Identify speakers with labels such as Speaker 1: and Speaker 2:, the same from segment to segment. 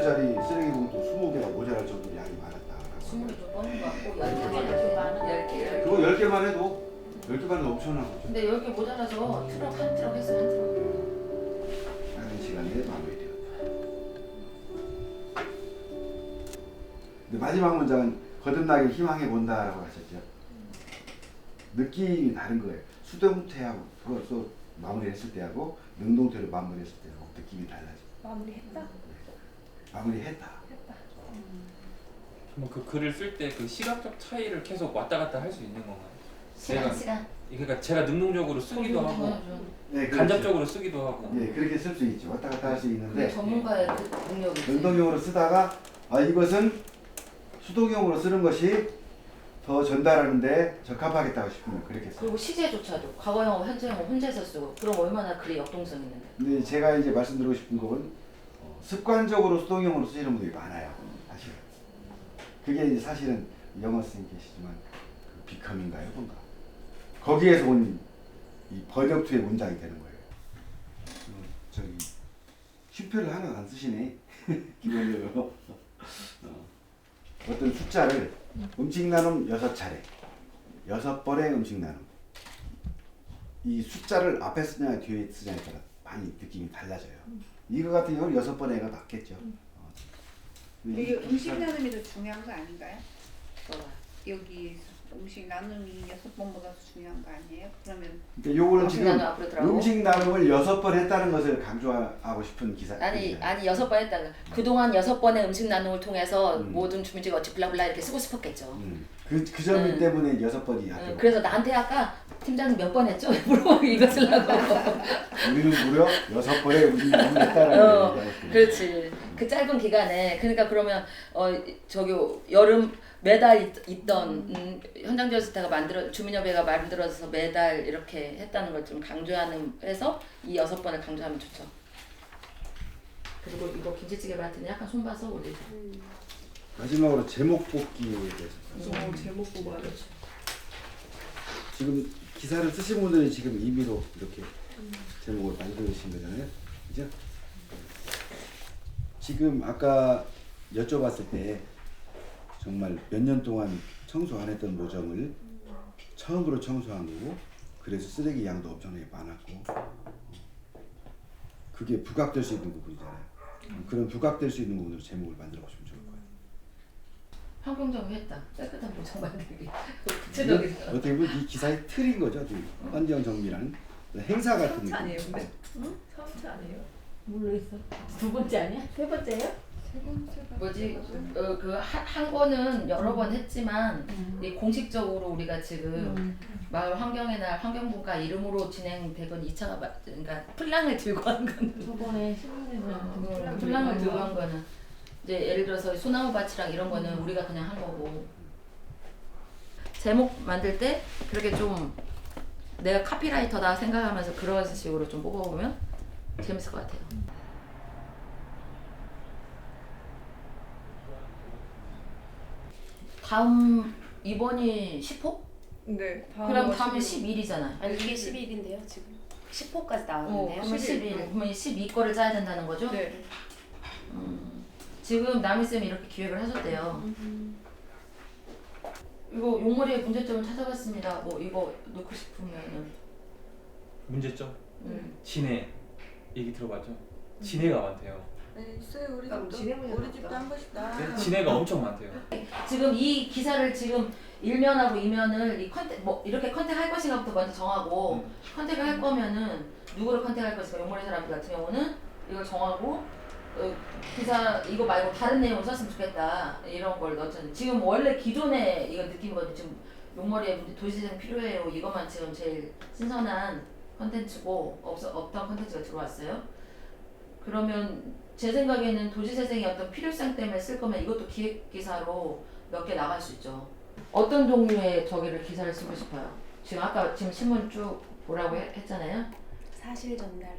Speaker 1: 20개짜리 쓰레기 봉투 20개가 모자랄 정도로 양이 많았다.
Speaker 2: 20개 뽑는 거 같고 10개.
Speaker 1: 그거 10개만 해도 10개만 해도 엄청난 거죠.
Speaker 2: 근데 10개 모자라서 트럭 한 트럭 했어 한 트럭.
Speaker 1: 짧은 시간에 마무리되었다. 근데 마지막 문장은 거듭나길 희망해 본다라고 하셨죠. 느낌이 다른 거예요. 수동태하고 벌써 마무리했을 때하고 능동태로 마무리했을 때하고 느낌이 달라져.
Speaker 3: 마무리했다?
Speaker 1: 마무리했다.
Speaker 4: 뭐 그 글을 쓸 때 그 시각적 차이를 계속 왔다 갔다 할 수 있는 건가요?
Speaker 2: 시간.
Speaker 4: 그러니까 제가 능동적으로 쓰기도 하고
Speaker 1: 네,
Speaker 4: 간접적으로 쓰기도 하고.
Speaker 1: 네, 그렇게 쓸 수 있죠. 왔다 갔다 할 수
Speaker 2: 그
Speaker 1: 있는데
Speaker 2: 전문가의 그 능력이지.
Speaker 1: 능동형으로 쓰다가 이것은 수동형으로 쓰는 것이 더 전달하는데 적합하겠다고 싶으면 그렇게 써요.
Speaker 2: 그리고 시제조차도 과거형하고 현재형을 혼자서 쓰고 그럼 얼마나 글이 역동성 있는데.
Speaker 1: 근데 제가 이제 말씀드리고 싶은 건 습관적으로 수동형으로 쓰시는 분들이 많아요. 사실은. 그게 이제 사실은 영어 선생님 계시지만 그 비컴인가요, 뭔가. 거기에서 온 이 번역투의 문장이 되는 거예요. 저기 슈표를 하나 안 쓰시네. 기본적으로. 어떤 숫자를 음식 나눔 6차례 6번의 음식 나눔 이 숫자를 앞에 쓰냐 뒤에 쓰냐에 따라 많이 느낌이 달라져요. 이거 같은 경우는 6번에가 맞겠죠.
Speaker 3: 이게 음식 나눔이 더 중요한 거 아닌가요?
Speaker 2: 뭐가?
Speaker 3: 여기 음식 나눔이 6번보다 더 중요한 거 아니에요? 그러면
Speaker 1: 그러니까 요거는
Speaker 2: 음식
Speaker 1: 지금
Speaker 2: 나눔 앞으로 들어가고?
Speaker 1: 음식 나눔을 6번 했다는 것을 강조하고 싶은 기사.
Speaker 2: 아니
Speaker 1: 기사예요.
Speaker 2: 아니 6번 했다가 그동안 6번의 음식 나눔을 통해서 모든 주민들이 어찌 블라블라 이렇게 쓰고 싶었겠죠.
Speaker 1: 그 점 때문에 6번이 앞에.
Speaker 2: 그래서 나한테 아까 팀장님 몇 번 했죠? 물어보고 이거 쓰려고.
Speaker 1: 우리는 무려 6번의 음식 나눔을 했다라는 얘기하고
Speaker 2: 그렇지. 그 짧은 기간에 그러니까 그러면 저기 여름 매달 있던 현장지원센터가 주민협회가 만들어서 매달 이렇게 했다는 걸 좀 강조하는 해서 이 6번을 강조하면 좋죠. 그리고 이거 김치찌개 같은 약간 손봐서 우리
Speaker 1: 마지막으로 제목 뽑기에 대해서.
Speaker 3: 제목 뽑아야 돼.
Speaker 1: 지금 기사를 쓰신 분들이 지금 임의로 이렇게 제목을 만들어주신 거잖아요. 그죠? 지금 아까 여쭤봤을 때 정말 몇 년 동안 청소 안 했던 모정을 처음으로 청소한 거고 그래서 쓰레기 양도 엄청나게 많았고 그게 부각될 수 있는 부분이잖아요. 그런 부각될 수 있는 부분으로 제목을 만들어 보시면 좋을 거예요.
Speaker 2: 환경정리 했다. 깨끗한 모정 만들기. 구체적인 거.
Speaker 1: 어떻게 보면 이 기사의 틀인 거죠. 환경 정비라는 행사 같은 느낌.
Speaker 3: 아니에요, 근데?
Speaker 5: 응? 처음째 아니에요? 모르겠어. 두 번째 아니야? 세 번째예요?
Speaker 2: 뭐지? 한 권은 여러 번 했지만 이 공식적으로 우리가 지금 마을 환경의 날 환경부가 이름으로 진행되건 2차가 그러니까 플랑을 들고 한 거는
Speaker 5: 저번에 신문에서
Speaker 2: 플랑을 들고 한 거는 이제 예를 들어서 소나무 밭이랑 이런 거는 우리가 그냥 한 거고 제목 만들 때 그렇게 좀 내가 카피라이터다 생각하면서 그런 식으로 좀 뽑아보면 재밌을 것 같아요. 다음 이번이 10호?
Speaker 3: 네.
Speaker 2: 그럼 다음에 11이잖아.
Speaker 6: 아니 이게 11일인데요 지금 10호까지 나왔는데요.
Speaker 2: 그러면 11. 그러면 12거를 짜야 된다는 거죠?
Speaker 3: 네.
Speaker 2: 지금 남희쌤이 이렇게 기획을 하셨대요. 이거 용머리의 문제점을 찾아봤습니다. 뭐 이거 넣고 싶으면은
Speaker 4: 문제점?
Speaker 2: 음.
Speaker 4: 진해 얘기 들어봤죠? 진해가 많대요.
Speaker 7: 네, 있어요. 우리
Speaker 3: 그럼
Speaker 7: 집도
Speaker 3: 진행을
Speaker 7: 우리 집도 한 번씩 다.
Speaker 4: 네, 진해가 엄청 많대요.
Speaker 2: 지금 이 기사를 지금 1면하고 2면을 이 컨택 뭐 이렇게 컨택할 것인가부터 먼저 정하고 컨택을 할 거면은 누구를 컨택할 것인가 용머리 사람들 같은 경우는 이걸 정하고 기사 이거 말고 다른 내용을 썼으면 좋겠다 이런 걸 넣었잖아요. 지금 원래 기존에 이거 느낀 건데 지금 용머리에 도시재생 필요해요 이것만 지금 제일 신선한 컨텐츠고 없던 컨텐츠가 들어왔어요. 그러면 제 생각에는 도시재생의 어떤 필요성 때문에 쓸 거면 이것도 기획기사로 몇 개 나갈 수 있죠. 어떤 종류의 저기를 기사를 쓰고 싶어요? 지금 아까 지금 신문 쭉 보라고 했잖아요.
Speaker 6: 사실 전달.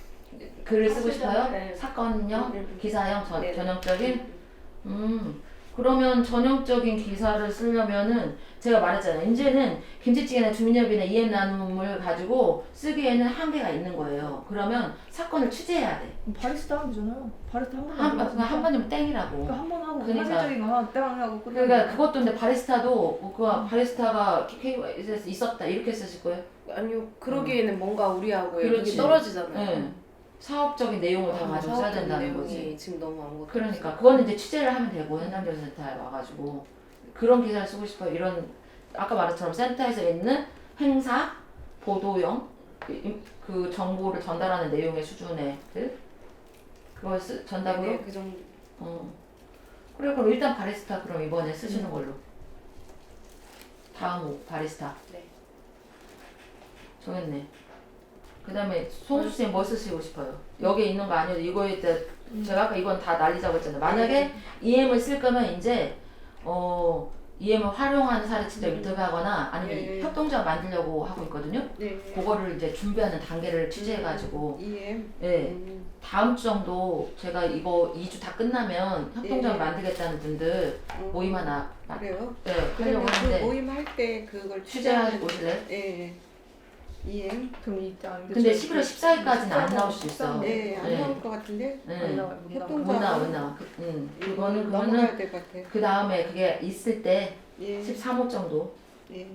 Speaker 2: 글을 쓰고 싶어요?
Speaker 6: 네.
Speaker 2: 사건형, 기사형,
Speaker 6: 네.
Speaker 2: 전형적인? 그러면 전형적인 기사를 쓰려면은 제가 말했잖아요. 이제는 김치찌개나 주민협의나 이해 나눔을 가지고 쓰기에는 한계가 있는 거예요. 그러면 사건을 취재해야 돼.
Speaker 7: 바리스타 하면 되잖아요. 바리스타 한 번.
Speaker 2: 한 번이면 땡이라고.
Speaker 7: 그러니까 한 번 하고
Speaker 2: 그러니까.
Speaker 7: 사실적인 거 하나 딱 하고 끝.
Speaker 2: 그러니까 그것도 근데 바리스타도 그 바리스타가 KYS에서 있었다 이렇게 쓰실 거예요?
Speaker 6: 아니요. 그러기에는 뭔가 우리하고의
Speaker 2: 그렇지.
Speaker 6: 그게 떨어지잖아요.
Speaker 2: 네. 사업적인 내용을 다 가지고 써야
Speaker 6: 사업적인
Speaker 2: 된다는
Speaker 6: 내용이
Speaker 2: 거지.
Speaker 6: 지금 너무 아무것도
Speaker 2: 그러니까 그거는 이제 취재를 하면 되고 현장조사센터에 와가지고 그런 기사를 쓰고 싶어요. 이런 아까 말했처럼 센터에서 있는 행사, 보도용 그 정보를 전달하는 내용의 수준의 그걸 전달으로.
Speaker 6: 네, 그 정도.
Speaker 2: 그래 그럼 일단 바리스타 그럼 이번에 쓰시는 걸로. 다음 호 바리스타.
Speaker 6: 네.
Speaker 2: 정했네. 그 다음에 송수 쌤 뭐 쓰시고 싶어요? 여기 있는 거 아니어도 이거에 대해 제가 아까 이건 다 날리자고 했잖아요. 만약에 EM을 쓸 거면 이제 EM을 활용하는 사례 직접 인터뷰하거나 아니면 협동조합 만들려고 하고 있거든요.
Speaker 3: 네.
Speaker 2: 그거를 이제 준비하는 단계를 취재해가지고
Speaker 3: EM.
Speaker 2: 예. 다음 주 정도 제가 이거 2주 다 끝나면 협동조합 만들겠다는 분들 모임 하나
Speaker 3: 그래요?
Speaker 2: 네,
Speaker 3: 그러면
Speaker 2: 하려고
Speaker 3: 그
Speaker 2: 하는데
Speaker 3: 모임 할 때 그걸
Speaker 2: 취재하고 오실래요?
Speaker 3: 예. EM.
Speaker 7: 그럼 일단.
Speaker 2: 근데 11월 14일까지는 안 나올 수 있어.
Speaker 3: 네, 안
Speaker 2: 네.
Speaker 3: 나올 것 같은데.
Speaker 7: 안 나와요. 못 나와요.
Speaker 3: 협동조합.
Speaker 2: 못 나와. 그거는
Speaker 3: 넘어가야 될 것 같아.
Speaker 2: 그 다음에 그게 있을 때
Speaker 3: 예.
Speaker 2: 13호 정도.
Speaker 3: 예.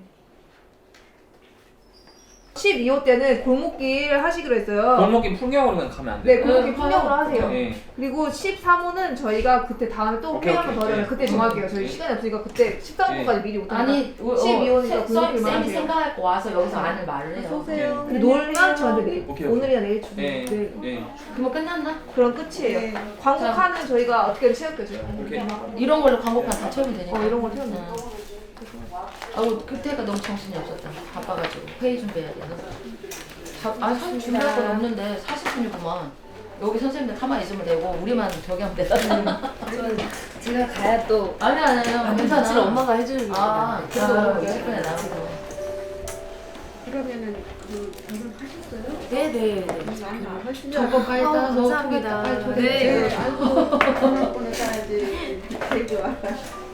Speaker 7: 12호 때는 골목길 하시기로 했어요.
Speaker 4: 골목길 풍경으로는 가면 안 돼요.
Speaker 7: 네, 골목길 풍경으로 하세요.
Speaker 4: 네.
Speaker 7: 그리고 13호는 저희가 그때 다음에 또
Speaker 4: 오케이,
Speaker 7: 회의 한번 더
Speaker 4: 오케이.
Speaker 7: 하면 그때
Speaker 4: 네.
Speaker 7: 정할게요. 저희
Speaker 4: 네.
Speaker 7: 시간이 없으니까 그때 13호까지 미리 못하니까.
Speaker 2: 아니
Speaker 7: 12호니까 골목길만
Speaker 2: 쌤이
Speaker 7: 하세요.
Speaker 2: 생각할 거 와서 여기서 안을 말을 해요.
Speaker 3: 쏘세요.
Speaker 7: 근데 놀면 저한테 내일
Speaker 4: 오케이,
Speaker 7: 오늘이나 내일 주고
Speaker 4: 네.
Speaker 7: 내일
Speaker 4: 네.
Speaker 2: 그러면 끝났나?
Speaker 7: 그럼 끝이에요.
Speaker 3: 네.
Speaker 7: 광고카는 저희가 어떻게든 채울게요. 저희가.
Speaker 4: 오케이.
Speaker 2: 이런 걸로 광고판 다 채우면 되니까.
Speaker 7: 이런 걸 채우면
Speaker 2: 응. 아우 그때가 너무 정신이 없었다. 바빠가지고 회의 준비해야 돼. 사실 준비할 건 없는데 40분이구만. 여기 선생님들 가만히 있으면 되고 우리만 저기 하면 되잖아.
Speaker 6: 제가 가야 또
Speaker 2: 아니야
Speaker 6: 사실
Speaker 2: 괜찮아.
Speaker 6: 엄마가 해주는
Speaker 2: 아
Speaker 6: 거예요.
Speaker 2: 그래도 20분에 나오고.
Speaker 3: 그러면은 그 결혼하셨어요?
Speaker 6: 네네.
Speaker 3: 안 하시죠?
Speaker 2: 정보까지
Speaker 6: 아우,
Speaker 2: 따서
Speaker 6: 감사합니다.
Speaker 2: 포기했다. 빨리
Speaker 6: 네.
Speaker 3: 아이고, 전화번호 따야지. 되게 와.